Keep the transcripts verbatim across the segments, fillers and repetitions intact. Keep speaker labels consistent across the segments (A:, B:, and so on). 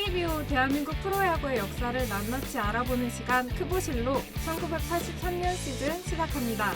A: 창립 이후 대한민국 프로야구의 역사를 낱낱이 알아보는 시간 크보실로 천구백팔십삼 년 시즌 시작합니다.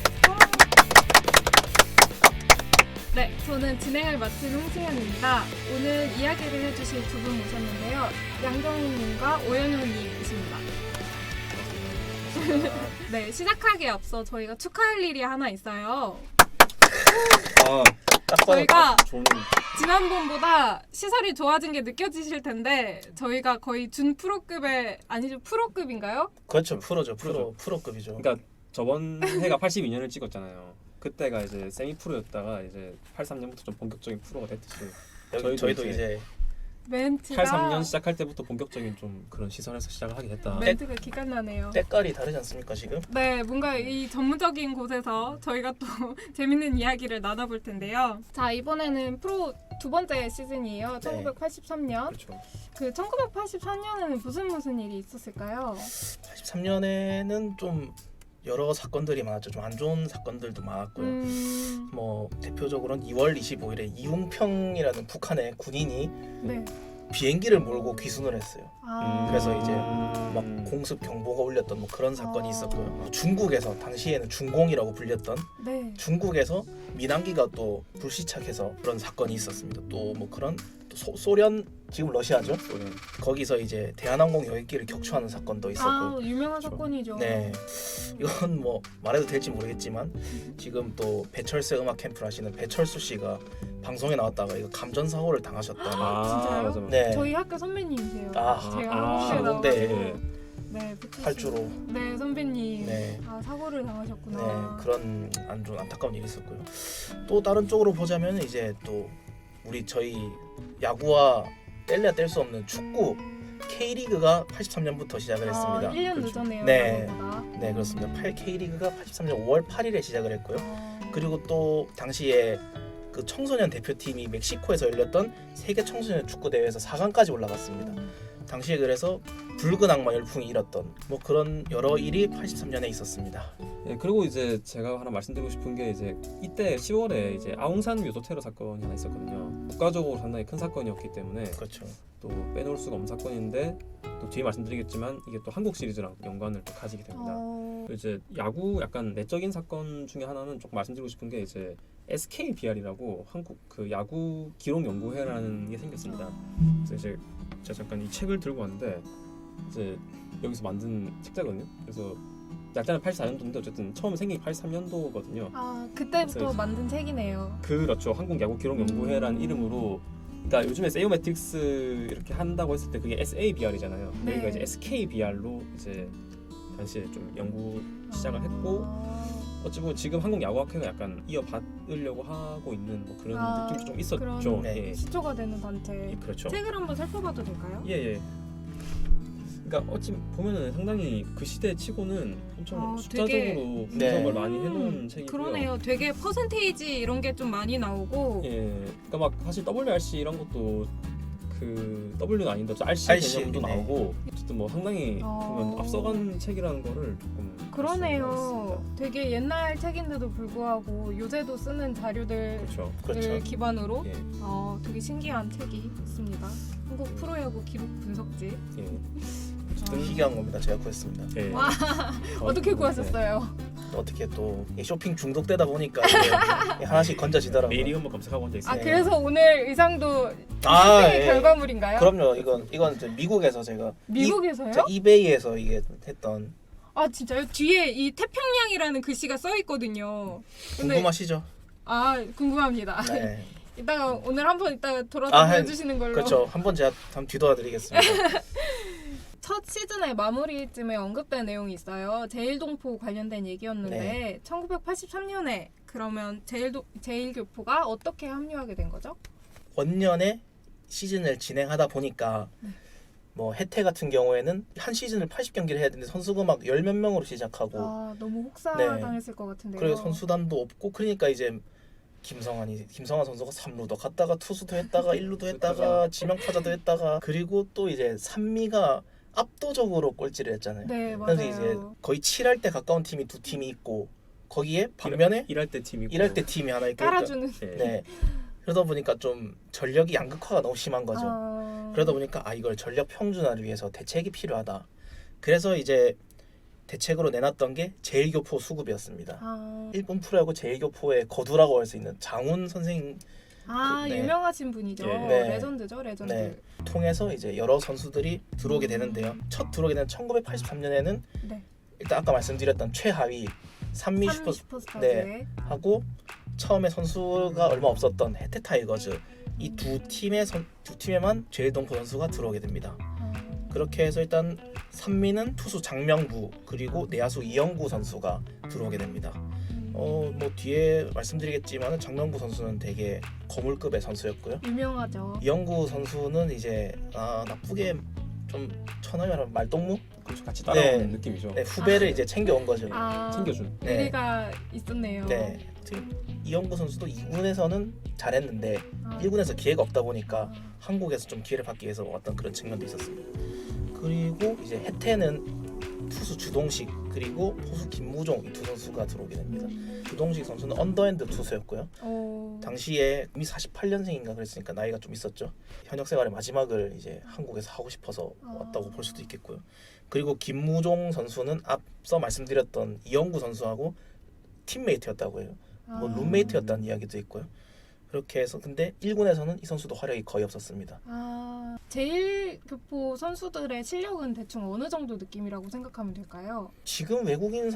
A: 네, 저는 진행을 맡은 홍승현입니다. 오늘 이야기를 해주실 두 분 모셨는데요. 양정훈님과 오연호님이십니다. 네, 시작하기에 앞서 저희가 축하할 일이 하나 있어요.
B: 아,
A: 저희가
B: 좋은...
A: 지난번보다 시설이 좋아진 게 느껴지실 텐데 저희가 거의 준 프로급의 아니죠 프로급인가요?
C: 그렇죠, 프로죠, 프로,
B: 프로죠.
C: 프로급이죠.
B: 그러니까 저번 해가 팔십이 년을 찍었잖아요. 그때가 이제 세미 프로였다가 이제 팔십삼 년부터 좀 본격적인 프로가 됐듯이
C: 여기,
B: 저희도,
C: 저희도
B: 이제,
C: 이제
A: 멘트가
B: 팔십삼 년 시작할 때부터 본격적인 좀 그런 시설에서 시작을 하게 됐다.
A: 멘트가 기가 나네요.
C: 때깔이 다르지 않습니까 지금?
A: 네, 뭔가 이 전문적인 곳에서 저희가 또 재밌는 이야기를 나눠볼 텐데요. 자, 이번에는 프로 두 번째 시즌이에요.
C: 네.
A: 천구백팔십삼 년.
B: 그렇죠.
A: 그 천구백팔십삼 년에는 무슨 무슨 일이 있었을까요?
C: 팔십삼 년에는 좀 여러 사건들이 많았죠. 좀 안 좋은 사건들도 많았고요.
A: 음,
C: 뭐 대표적으로는 이월 이십오일에 이웅평이라는 북한의 군인이
A: 네.
C: 비행기를 몰고 귀순을 했어요.
A: 아,
C: 그래서 이제
B: 음.
C: 막 공습 경보가 울렸던 뭐 그런 사건이
A: 아.
C: 있었고요. 중국에서 당시에는 중공이라고 불렸던
A: 네.
C: 중국에서 민항기가 또 불시착해서 그런 사건이 있었습니다. 또 뭐 그런 또 소, 소련 지금 러시아죠.
B: 소련.
C: 거기서 이제 대한항공 여객기를 격추하는 사건도 있었고.
A: 아, 유명한
B: 그렇죠.
A: 사건이죠.
C: 네, 이건 뭐 말해도 될지 모르겠지만 지금 또 배철수 음악 캠프를 하시는 배철수 씨가 방송에 나왔다가 이거 감전 사고를 당하셨다는.
B: 아,
A: 진짜요?
B: 맞아, 맞아.
C: 네,
A: 저희 학교 선배님이세요.
C: 아,
A: 제가
B: 아,
A: 한국에
C: 항공대.
A: 나와서 네, 배철수.
C: 활주로.
A: 네, 선배님.
C: 네.
A: 아, 사고를
C: 네,
A: 당하셨구나.
C: 그런 안 좋은 안타까운 일이 있었고요. 또 다른 쪽으로 보자면 이제 또 우리 저희 야구와 뗄래야 뗄 수 없는 축구 K리그가 팔십삼 년부터 시작을 했습니다.
A: 아, 일 년
C: 그렇죠.
A: 늦었네요.
C: 네.
A: 야구보다.
C: 네, 그렇습니다. 팔 K리그가 팔십삼 년 오월 팔일에 시작을 했고요.
A: 아,
C: 그리고 또 당시에 그 청소년 대표팀이 멕시코에서 열렸던 세계 청소년 축구 대회에서 사 강까지 올라갔습니다. 당시에 그래서 붉은 악마 열풍이 일었던 뭐 그런 여러 일이 팔십삼 년에 있었습니다.
B: 예, 그리고 이제 제가 하나 말씀드리고 싶은 게 이제 이때 시월에 이제 아웅산 묘소 테러 사건이 하나 있었거든요. 국가적으로 상당히 큰 사건이었기 때문에
C: 그렇죠.
B: 또 빼놓을 수가 없는 사건인데 또 뒤에 말씀드리겠지만 이게 또 한국 시리즈랑 연관을 또 가지게 됩니다.
A: 어,
B: 이제 야구 약간 내적인 사건 중에 하나는 조금 말씀드리고 싶은 게 이제 에스케이비알이라고 한국 그 야구 기록 연구회라는 게 생겼습니다. 그래서 이제 제가 잠깐 이 책을 들고 왔는데 이제 여기서 만든 책자거든요. 그래서 약자는 팔십사 년도인데 어쨌든 처음 생긴 게 팔십삼 년도거든요.
A: 아, 그때부터
B: 그래서
A: 만든 책이네요.
B: 그렇죠. 한국 야구 기록 연구회라는 이름으로. 그러니까 요즘에 세이오매틱스 이렇게 한다고 했을 때 그게 에스에이비알이잖아요.
A: 네.
B: 여기가 이제 에스케이비알로 이제 당시에 좀 연구 시작을 했고
A: 아,
B: 어찌 보면 지금 한국 야구학회가 약간 이어받으려고 하고 있는 뭐 그런
A: 아,
B: 느낌도 좀 있었죠.
A: 그런
C: 네.
B: 예.
A: 시초가 되는 단체.
B: 예, 그렇죠.
A: 책을 한번 살펴봐도 될까요?
B: 예, 예. 그러니까 어찌 보면은 상당히 그 시대 치고는 엄청
A: 아,
B: 숫자적으로
A: 되게-
B: 분석을
A: 네.
B: 많이 해놓은
A: 음,
B: 책이고요.
A: 그러네요. 되게 퍼센테이지 이런 게 좀 많이 나오고.
B: 예, 그러니까 막 사실 더블유알씨 이런 것도 그 W는 아닌데 알씨
C: 알씨,
B: 개념도
C: 네.
B: 나오고 어쨌든 뭐 상당히
A: 어.
B: 보면 앞서간 책이라는 거를 조금 알 수가
A: 그러네요.
B: 있습니다.
A: 되게 옛날 책인데도 불구하고 요새도 쓰는 자료들을
B: 그렇죠.
C: 그렇죠.
A: 기반으로
B: 예,
A: 어, 되게 신기한 책이 있습니다. 한국 프로야구 기록 분석지.
B: 예.
A: 아,
C: 희귀한 겁니다. 제가 구했습니다.
B: 예.
A: 와, 어떻게
B: 네.
A: 구하셨어요?
C: 또 어떻게 또 쇼핑 중독되다 보니까 이게 하나씩 건져지더라고요.
B: 메일이 한번 검색하고 앉아 있어요.
A: 아,
C: 네.
A: 그래서 오늘 의상도
C: 아,
A: 쇼핑의
C: 예.
A: 결과물인가요?
C: 그럼요. 이건 이건 이제 미국에서 제가
A: 미국에서요?
C: 이, 제가 이베이에서 이게 했던.
A: 아, 진짜요? 뒤에 이 태평양이라는 글씨가 써 있거든요. 근데
C: 궁금하시죠?
A: 아, 궁금합니다.
C: 네.
A: 이따가 오늘 한번 이따가 돌아서
C: 아, 한-
A: 보여주시는 걸로.
C: 그렇죠. 한번 제가 한번 뒤돌아드리겠습니다.
A: 첫 시즌의 마무리쯤에 언급된 내용이 있어요. 제일동포 관련된 얘기였는데
C: 네.
A: 천구백팔십삼 년에 그러면 제일도, 제일교포가 어떻게 합류하게 된 거죠?
C: 원년에 시즌을 진행하다 보니까
A: 네.
C: 뭐 혜태 같은 경우에는 한 시즌을 팔십 경기를 해야 되는데 선수가 막 열 몇 명으로 시작하고
A: 아, 너무
C: 네.
A: 혹사당했을 것 같은데요.
C: 그리고 선수단도 없고 그러니까 이제 김성환이 김성환 선수가 삼루도 갔다가 투수도 했다가 일루도 했다가 지명타자도 했다가 그리고 또 이제 산미가 압도적으로 꼴찌를 했잖아요.
A: 네,
C: 그래서
A: 맞아요.
C: 이제 거의 칠할 때 가까운 팀이 두 팀이 있고 거기에 반면에
B: 일할 때 팀이고
C: 일할 때 팀이 하나 있고
A: 깔아주는.
B: 예.
C: 네. 그러다 보니까 좀 전력이 양극화가 너무 심한 거죠.
A: 아...
C: 그러다 보니까 아 이걸 전력 평준화를 위해서 대책이 필요하다. 그래서 이제 대책으로 내놨던 게 제일교포 수급이었습니다.
A: 아,
C: 일본 프로야구 제일교포의 거두라고 할 수 있는 장훈 선생
A: 아
C: 그, 네.
A: 유명하신 분이죠.
B: 예.
C: 네.
A: 레전드죠, 레전드.
C: 네. 통해서 이제 여러 선수들이 들어오게 되는데요. 첫 들어오게 된 천구백팔십삼 년에는
A: 네.
C: 일단 아까 말씀드렸던 최하위 산미
A: 삼미
C: 슈퍼
A: 슈퍼스타즈의
C: 네. 하고 처음에 선수가 얼마 없었던 해태 타이거즈 이 두 팀의 선, 두 팀에만 제일동포 선수가 들어오게 됩니다.
A: 아,
C: 그렇게 해서 일단 산미는 투수 장명구 그리고 내야수 이영구 선수가 들어오게 됩니다. 어 뭐 뒤에 말씀드리겠지만 장명구 선수는 되게 거물급의 선수였고요.
A: 유명하죠.
C: 이영구 선수는 이제 아 나쁘게 좀 천하게 말하면 말동무
B: 그렇죠. 같이 따라오는
C: 네.
B: 느낌이죠.
C: 네, 후배를
A: 아.
C: 이제 챙겨온 거죠.
A: 아,
B: 챙겨준.
C: 네.
A: 의리가 있었네요.
C: 네. 지금 이영구 선수도 이 군에서는 잘했는데
A: 아,
C: 일 군에서 기회가 없다 보니까
A: 아,
C: 한국에서 좀 기회를 받기 위해서 왔던 그런 측면도 있었습니다. 그리고 이제 해태는 투수 주동식 그리고 포수 김무종 이 두 선수가 들어오게 됩니다. 주동식 선수는 언더핸드 투수였고요.
A: 오,
C: 당시에 이미 사십팔 년생인가 그랬으니까 나이가 좀 있었죠. 현역 생활의 마지막을 이제 한국에서 하고 싶어서 왔다고 볼 수도 있겠고요. 그리고 김무종 선수는 앞서 말씀드렸던 이영구 선수하고 팀메이트였다고 해요. 뭐
A: 아.
C: 룸메이트였다는 이야기도 있고요. 그렇게 해서 근데 일 군에서는 이 선수도 활약이 거의 없었습니다.
A: 아, 제일 교포 선수들의 실력은 대충 어느 정도 느낌이라고 생각하면 될까요?
C: 지금 외국인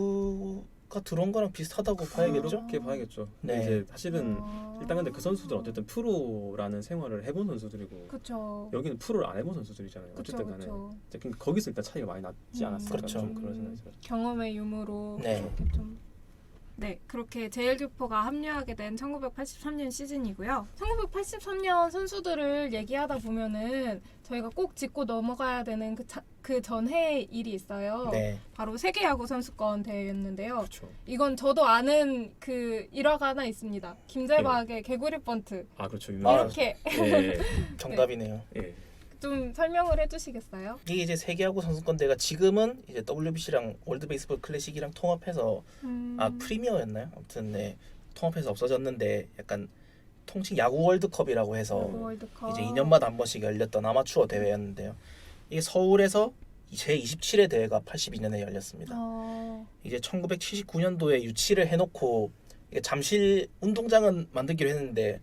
C: 선수가 들어온 거랑 비슷하다고 봐야겠죠?
B: 그렇게 봐야겠죠. 근데
C: 네.
B: 이제 사실은
A: 아,
B: 일단 근데 그 선수들은 어쨌든 프로라는 생활을 해본 선수들이고
A: 그쵸.
B: 여기는 프로를 안 해본 선수들이잖아요.
A: 그쵸,
B: 어쨌든 간에
A: 그쵸.
B: 이제 그러니까 거기서 일단 차이가 많이 났지
A: 음.
B: 않았을까
C: 그렇죠.
B: 좀 그런 생각이 들어요.
A: 경험의 유무로
C: 네.
A: 그렇게 좀. 네, 그렇게 제일교포가 합류하게 된 천구백팔십삼 년 시즌이고요. 천구백팔십삼 년 선수들을 얘기하다 보면은 저희가 꼭 짚고 넘어가야 되는 그, 자, 그 전해의 일이 있어요.
C: 네.
A: 바로 세계야구 선수권 대회였는데요.
B: 그렇죠.
A: 이건 저도 아는 그 일화가 하나 있습니다. 김재박의 개구리 번트.
B: 아 그렇죠.
C: 아,
B: 유명한
A: 이렇게
B: 예,
C: 정답이네요.
B: 예.
A: 좀 설명을 해주시겠어요?
C: 이게 이제 세계야구 선수권대가 지금은 이제 더블유비씨랑 월드 베이스볼 클래식이랑 통합해서
A: 음...
C: 아 프리미어였나요? 아무튼 네 통합해서 없어졌는데 약간 통칭 야구 월드컵이라고 해서
A: 야구 월드컵.
C: 이제 이 년마다 한 번씩 열렸던 아마추어 대회였는데요. 이게 서울에서 제이십칠 회 대회가 팔십이 년에 열렸습니다.
A: 어...
C: 이제 천구백칠십구 년도에 유치를 해놓고 이게 잠실 운동장은 만들기로 했는데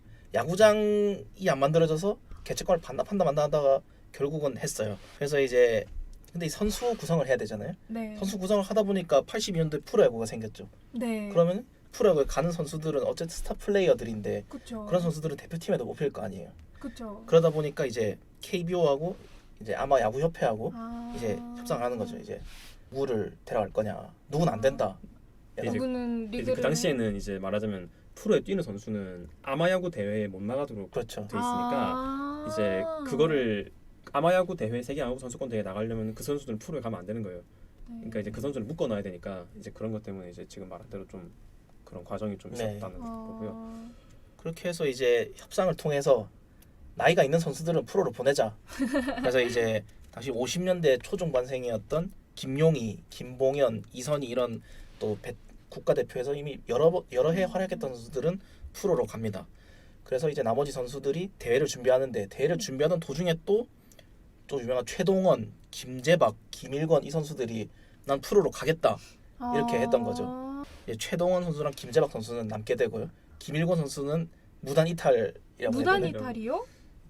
C: 야구장이 안 만들어져서 개최권을 반납한다 만다 하다가 결국은 했어요. 그래서 이제 근데 이 선수 구성을 해야 되잖아요.
A: 네.
C: 선수 구성을 하다 보니까 팔십이 년도에 프로야구가 생겼죠.
A: 네.
C: 그러면 프로야구에 가는 선수들은 어쨌든 스타 플레이어들인데
A: 그쵸.
C: 그런 선수들은 대표팀에도 못 필 거 아니에요.
A: 그쵸.
C: 그러다 보니까 이제 케이비오하고 이제 아마 야구 협회하고
A: 아...
C: 이제 협상을 하는 거죠. 이제 누구를 데려갈 거냐. 누구는 안 된다.
B: 이제
A: 누구는
B: 이제
A: 리그를
B: 그 당시에는 이제 말하자면 프로에 뛰는 선수는 아마야구 대회에 못 나가도록
C: 그렇죠.
B: 돼 있으니까
A: 아...
B: 이제 그거를 아마야구 대회 세계야구 선수권 대회 나가려면 그 선수들은 프로에 가면 안 되는 거예요.
A: 네.
B: 그러니까 이제 그 선수를 묶어놔야 되니까 이제 그런 것 때문에 이제 지금 말한 대로 좀 그런 과정이 좀
C: 네.
B: 있었다는 거고요.
C: 그렇게 해서 이제 협상을 통해서 나이가 있는 선수들은 프로로 보내자. 그래서 이제 당시 오십 년대 초중반생이었던 김용희, 김봉현, 이선희 이런 또 배, 국가대표에서 이미 여러 번- 여러 해 활약했던 선수들은 프로로 갑니다. 그래서 이제 나머지 선수들이 대회를 준비하는데 대회를 준비하던 도중에 또 또 유명한 최동원, 김재박, 김일권 이 선수들이 난 프로로 가겠다 이렇게 했던 거죠.
A: 아...
C: 이제 최동원 선수랑 김재박 선수는 남게 되고요. 김일권 선수는 무단 이탈이라고
A: 무단
C: 해야 되나요?
A: 이탈이요?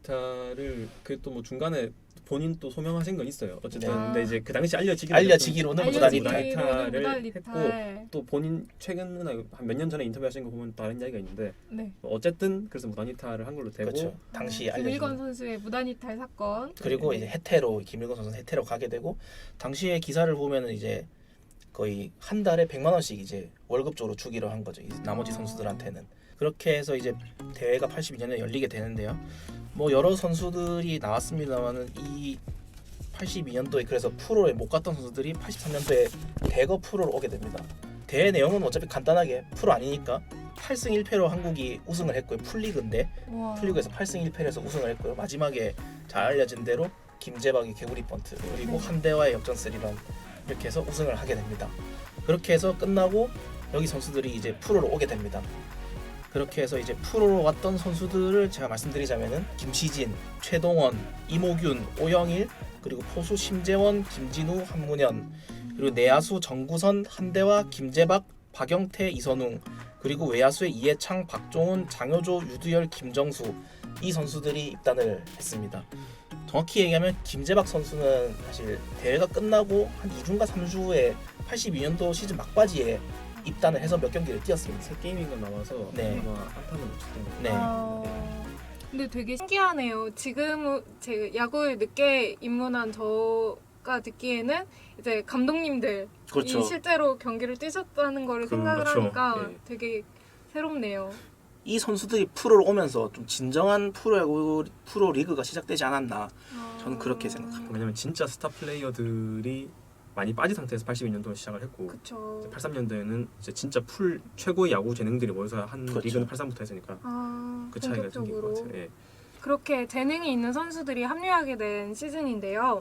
B: 이탈을 그 또 뭐 중간에 본인 또 소명하신 건 있어요. 어쨌든
C: 네.
B: 근데 이제 그 당시 알려지기로
C: 알려지기로는 무단
B: 무단
C: 이탈.
B: 이탈을
A: 무단
B: 했고
A: 이탈.
B: 또 본인 최근에 한 몇 년 전에 인터뷰하신 거 보면 다른 이야기가 있는데
A: 네.
B: 어쨌든 그래서 무단 이탈을 한 걸로 되고
C: 그렇죠. 당시
A: 아,
C: 알려진
A: 김일건 선수의 무단 이탈 사건.
C: 그리고
B: 네.
C: 이제 해태로 김일권 선수는 해태로 가게 되고 당시에 기사를 보면은 이제 거의 한 달에 백만 원씩 이제 월급적으로 주기로 한 거죠. 이 나머지
A: 아.
C: 선수들한테는. 그렇게 해서 이제 대회가 팔십이 년에 열리게 되는데요. 뭐 여러 선수들이 나왔습니다만은 이 팔십이 년도에 그래서 프로에 못 갔던 선수들이 팔십삼 년도에 대거 프로로 오게 됩니다. 대회 내용은 어차피 간단하게 프로 아니니까 팔 승 일 패로 한국이 우승을 했고요. 풀리그인데
A: 우와.
C: 풀리그에서 팔 승 일 패를 해서 우승을 했고요. 마지막에 잘 알려진 대로 김재박의 개구리 번트 그리고
A: 네.
C: 한대와의 역전 스리런 이렇게 해서 우승을 하게 됩니다. 그렇게 해서 끝나고 여기 선수들이 이제 프로로 오게 됩니다. 그렇게 해서 이제 프로로 왔던 선수들을 제가 말씀드리자면은 김시진, 최동원, 이모균, 오영일, 그리고 포수 심재원, 김진우, 한문현, 그리고 내야수 정구선, 한대화, 김재박, 박영태, 이선웅, 그리고 외야수의 이해창, 박종훈, 장효조, 유두열, 김정수 이 선수들이 입단을 했습니다. 정확히 얘기하면 김재박 선수는 사실 대회가 끝나고 한 이 주인가 삼 주 후에 팔십이 년도 시즌 막바지에 입단을 해서 몇 경기를 뛰었습니다.
B: 세 게임인가 남아서
C: 네.
B: 아마 한타는 못 쳤던 것 같아요.
C: 네.
A: 아, 근데 되게 신기하네요. 지금 제 야구에 늦게 입문한 저가 듣기에는 이제 감독님들
C: 그렇죠.
A: 이 실제로 경기를 뛰셨다는 거를 생각을
B: 그렇죠.
A: 하니까
B: 네.
A: 되게 새롭네요.
C: 이 선수들이 프로로 오면서 좀 진정한 프로야구 프로 리그가 시작되지 않았나 저는 그렇게 생각합니다.
B: 왜냐면 진짜 스타 플레이어들이 많이 빠진 상태에서 팔십이 년도에 시작을 했고
A: 그렇죠.
B: 팔십삼 년도에는 이제 진짜 풀 최고의 야구 재능들이 모여서 한
C: 그렇죠.
B: 리그는 팔십삼부터 했으니까
A: 아,
B: 그 차이가 생긴 것
A: 본격적으로.
B: 같아요. 예.
A: 그렇게 재능이 있는 선수들이 합류하게 된 시즌인데요.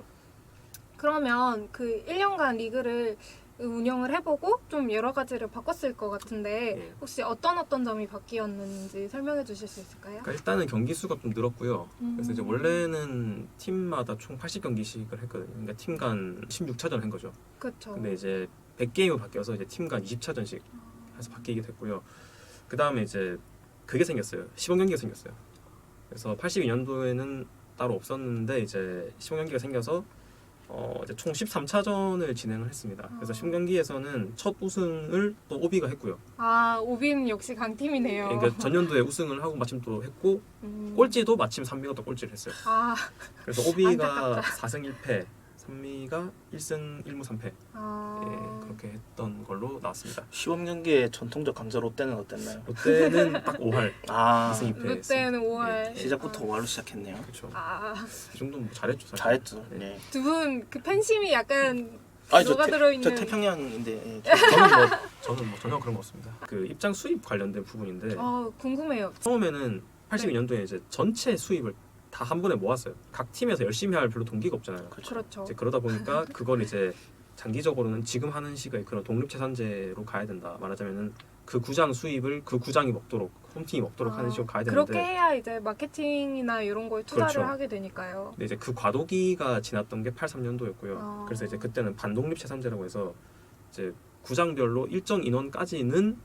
A: 그러면 그 일 년간 리그를 운영을 해보고 좀 여러 가지를 바꿨을 것 같은데
B: 예.
A: 혹시 어떤 어떤 점이 바뀌었는지 설명해 주실 수 있을까요?
B: 그러니까 일단은 경기 수가 좀 늘었고요. 그래서 이제
A: 음.
B: 원래는 팀마다 총 팔십 경기씩을 했거든요. 그러니까 팀 간 십육 차전 한 거죠.
A: 그렇죠.
B: 근데 이제 백 게임으로 바뀌어서 이제 팀 간 이십 차전씩 해서 바뀌게 됐고요. 그 다음에 이제 그게 생겼어요. 시범 경기가 생겼어요. 그래서 팔십이 년도에는 따로 없었는데 이제 시범 경기가 생겨서 어 이제 총 십삼 차전을 진행을 했습니다. 그래서
A: 아.
B: 시범 경기에서는 첫 우승을 또 오비가 했고요.
A: 아 오비는 역시 강팀이네요.
B: 그러니까 전년도에 우승을 하고 마침 또 했고
A: 음.
B: 꼴찌도 마침 삼미가 또 꼴찌를 했어요.
A: 아,
B: 그래서 오비가
A: 안타깝다.
B: 사 승 일 패, 삼미가 일 승 일 무 삼 패
A: 아.
B: 예, 그렇게 했던 걸로 나왔습니다.
C: 시범 경기의 전통적 강자 롯데는 어땠나요?
B: 롯데는 딱 오 할
C: 아
B: 이 승 이 패
A: 롯데는 오 할.
C: 시작부터 오할로 시작했네요.
B: 그렇죠.
A: 아,
B: 이 정도는 뭐 잘했죠. 사실.
C: 잘했죠. 네.
A: 두 분 그 팬심이 약간
C: 아니 저,
A: 녹아
C: 태,
A: 들어있는.
C: 저 태평양인데 예, 저는 뭐
B: 저는 뭐 전혀 그런 거 없습니다. 그 입장 수입 관련된 부분인데
A: 어 궁금해요.
B: 처음에는 팔십이 년도에 이제 전체 수입을 다 한 번에 모았어요. 각 팀에서 열심히 할 별로 동기가 없잖아요.
A: 그렇죠.
B: 이제 그러다 보니까 그걸 이제 장기적으로는 지금 하는 식의 그런 독립채산제로 가야 된다. 말하자면은 그 구장 수입을 그 구장이 먹도록 홈팀이 먹도록
A: 아,
B: 하는 식으로 가야 되는데
A: 그렇게 해야 이제 마케팅이나 이런 거에 투자를
B: 그렇죠.
A: 하게 되니까요.
B: 근데 이제 그 과도기가 지났던 게 팔십삼 년도였고요.
A: 아.
B: 그래서 이제 그때는 반독립채산제라고 해서 이제 구장별로 일정 인원까지는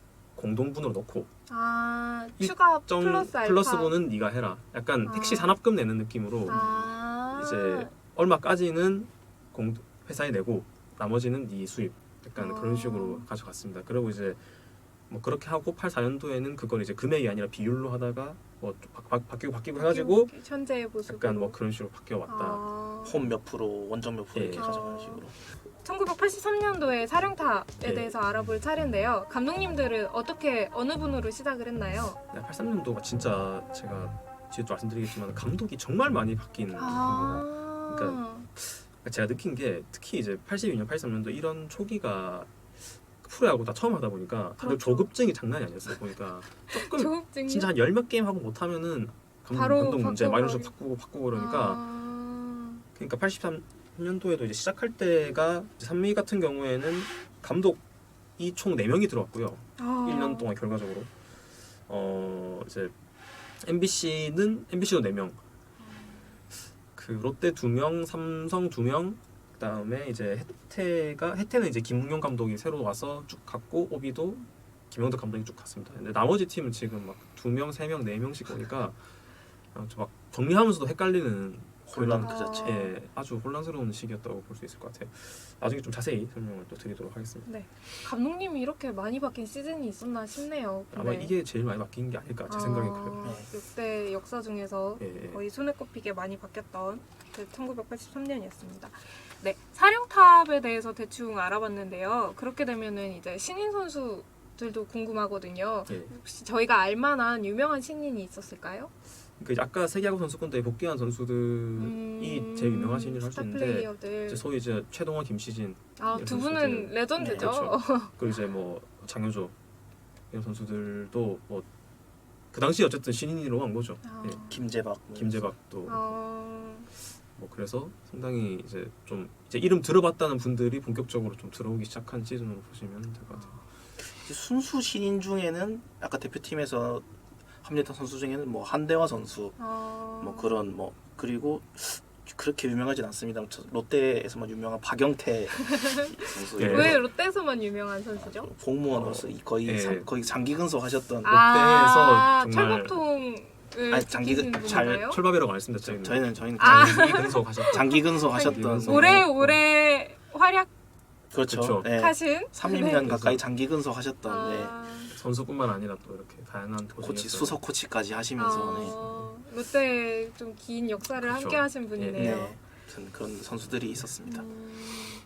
B: 공동분으로 넣고
A: 아 추가
B: 정
A: 플러스 알파.
B: 플러스분은 네가 해라. 약간
A: 아.
B: 택시 산업금 내는 느낌으로
A: 아
B: 이제 얼마까지는 공 회사에 내고 나머지는 네 수입. 약간
A: 아.
B: 그런 식으로 가져갔습니다. 그리고 이제 뭐 그렇게 하고 팔십사 년도에는 그걸 이제 금액이 아니라 비율로 하다가 뭐 바, 바, 바뀌고 바뀌고 해가지고
A: 현재의 모습.
B: 약간 뭐 그런 식으로 바뀌어 왔다.
A: 아.
C: 홈 몇 프로, 원정 몇 프로 이렇게
B: 예.
C: 가져가는
A: 아.
C: 식으로.
A: 천구백팔십삼 년도에 사령탑에
B: 네.
A: 대해서 알아볼 차례인데요. 감독님들은 어떻게 어느 분으로 시작을 했나요?
B: 팔십삼 년도가 진짜 제가 뒤에도 말씀드리겠지만 감독이 정말 많이 바뀐 겁니다.
A: 아.
B: 그러니까 제가 느낀 게 특히 이제 팔십이 년, 팔십삼 년도 이런 초기가 프로야구 다 처음 하다 보니까 다들
A: 그렇죠.
B: 조급증이 장난이 아니었어요. 보니까 조금
A: 조급증이
B: 진짜 한 열 몇 게임 하고 못하면은 감독,
A: 바로
B: 감독 문제,
A: 바꿔버리-
B: 마이너스 바꾸고 바꾸고 그러니까
A: 아.
B: 그러니까 팔십삼 년도에도 이제 시작할 때가 이제 삼미 같은 경우에는 감독이 총 네 명이 들어왔고요.
A: 아.
B: 일 년 동안 결과적으로 어 이제 엠비씨는 엠비씨도 네 명, 그 롯데 두 명, 삼성 두 명, 그다음에 이제 해태가 해태는 이제 김웅용 감독이 새로 와서 쭉 갔고 오비도 김영덕 감독이 쭉 갔습니다. 근데 나머지 팀은 지금 막 두 명, 세 명, 네 명씩 오니까 어, 막 정리하면서도 헷갈리는
C: 혼란
B: 그런,
C: 그 자체.
B: 예, 아주 혼란스러운 시기였다고 볼 수 있을 것 같아요. 나중에 좀 자세히 설명을 또 드리도록 하겠습니다.
A: 네. 감독님이 이렇게 많이 바뀐 시즌이 있었나 싶네요.
B: 아마
A: 근데.
B: 이게 제일 많이 바뀐 게 아닐까 제 생각에 그래요.
C: 네.
A: 역대 역사 중에서
B: 예, 예.
A: 거의 손에 꼽히게 많이 바뀌었던 그 천구백팔십삼 년이었습니다. 네, 사령탑에 대해서 대충 알아봤는데요. 그렇게 되면은 이제 신인 선수들도 궁금하거든요.
B: 예.
A: 혹시 저희가 알만한 유명한 신인이 있었을까요?
B: 그 아까 세계야구 선수권대회 복귀한 선수들이
A: 음,
B: 제일 유명한 신인을 할 수
A: 스타
B: 있는데
A: 플레이어들.
B: 이제 소위 이제 최동원, 김시진
A: 아,
B: 이런
A: 두
B: 선수들.
A: 분은 레전드죠.
B: 네, 그렇죠. 그리고 이제 뭐 장효조 이런 선수들도 뭐 그 당시 어쨌든 신인으로 한 거죠.
A: 아,
B: 예.
C: 김재박, 뭐
B: 김재박도
A: 아,
B: 뭐 그래서 상당히 이제 좀 이제 이름 들어봤다는 분들이 본격적으로 좀 들어오기 시작한 시즌으로 보시면 될 것 같아요.
C: 특히 순수 신인 중에는 아까 대표팀에서 합류했던 선수 중에는 뭐 한대화 선수
A: 아...
C: 뭐 그런 뭐 그리고 그렇게 유명하진 않습니다. 롯데에서만 유명한 박영태 선수
B: 예.
A: 왜 롯데에서만 유명한 선수죠?
C: 공무원으로서 거의
B: 예.
C: 상- 거의 장기 근속하셨던
A: 아,
B: 정말-
A: 철법통을
C: 아니, 장기
A: 지키신
C: 근- 잘-
A: 분인가요?
B: 철밥이라고 말씀드렸죠.
C: 저- 저희는 저희는
A: 아.
B: 장기 근속하셨던
C: 장기 근속하셨던
B: 장기 근속.
C: 네.
A: 올해 올해 활약하신
C: 그렇죠.
B: 그렇죠.
C: 네. 삼 년
A: 네.
C: 가까이 장기 근속하셨던 네.
A: 아,
B: 선수뿐만 아니라 또 이렇게 다양한
C: 코치
B: 포지션에서
C: 수석 코치까지 하시면서 네.
A: 아, 롯데 좀 긴 역사를
B: 그렇죠.
A: 함께 하신 분이네요.
C: 네. 아무튼 그런 선수들이 있었습니다.
A: 음,